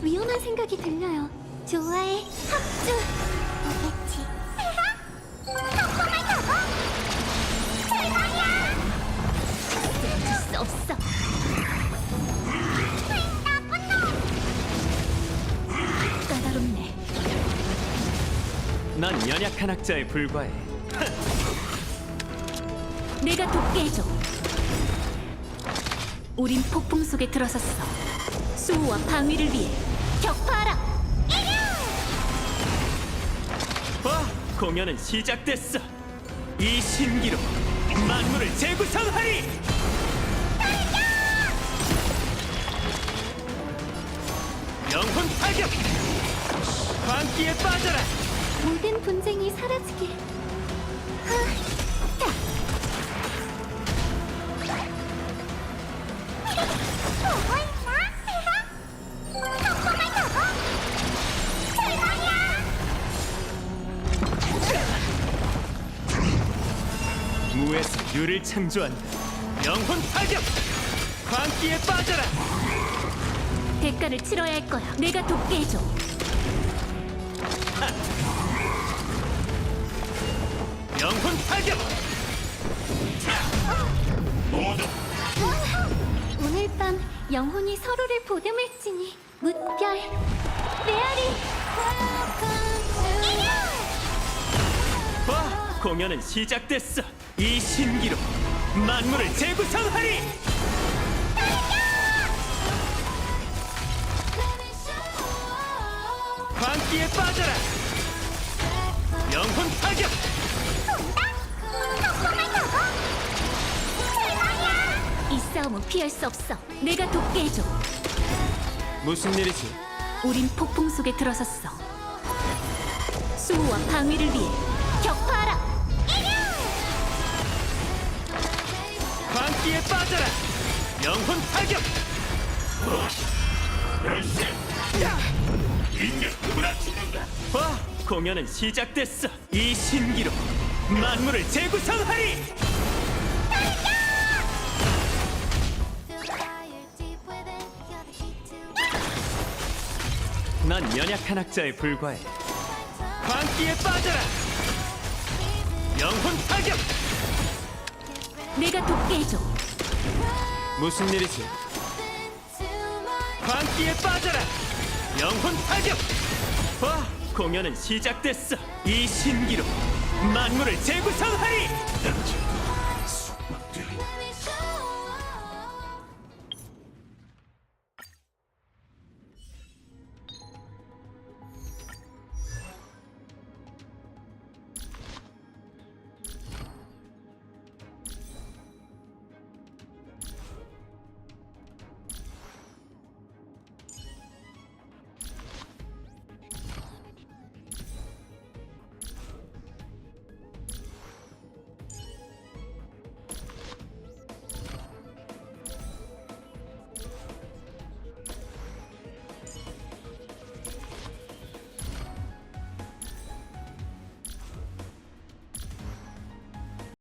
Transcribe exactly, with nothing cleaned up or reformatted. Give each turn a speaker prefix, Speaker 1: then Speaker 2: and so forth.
Speaker 1: 위험한 생각이 들려요. 좋아해, 합주. 오겠지. 덕분을 타고 대박이야. 쓸 수 없어. 나쁜 놈. 까다롭네.
Speaker 2: 난 연약한 학자에 불과해.
Speaker 1: 내가 돕게 해줘. 우린 폭풍 속에 들어섰어. 수호와 방위를 위해 격파하라.
Speaker 2: 와, 공연은 시작됐어. 이 신기로 만물을 재구성하리. 영혼 타격. 광기에 빠져라.
Speaker 1: 모든 분쟁이 사라지게. 하, 타. 보고 있나? 덕분을 타고 대박이야.
Speaker 2: 무에서 유를 창조한다. 영혼 타격. 광기에 빠져라.
Speaker 1: 대가를 치러야 할 거야. 내가 돕게 해줘.
Speaker 2: 영혼 타격. 모두
Speaker 1: 오늘 밤 영혼이 서로를 보듬을지니 무별 메아리.
Speaker 2: 와, 공연은 시작됐어. 이 신기로 만물을 재구성하리. 광기에 빠져라. 영혼 타격.
Speaker 1: 이 싸움은 피할 수 없어. 내가 돕게 해줘.
Speaker 2: 무슨 일이지?
Speaker 1: 우린 폭풍 속에 들어섰어. 수호와 방위를 위해 격파하라.
Speaker 2: 광기에 빠져라. 영혼 타격. 와, 공연은 시작됐어. 이 신기로 만물을 재구성하리. 난 연약한 학자에 불과해. 광기에 빠져라. 영혼 타격.
Speaker 1: 내가 돕게 해줘.
Speaker 2: 무슨 일이지? 광기에 빠져라. 영혼 타격. 와, 공연은 시작됐어. 이 신기로 만물을 재구성하리.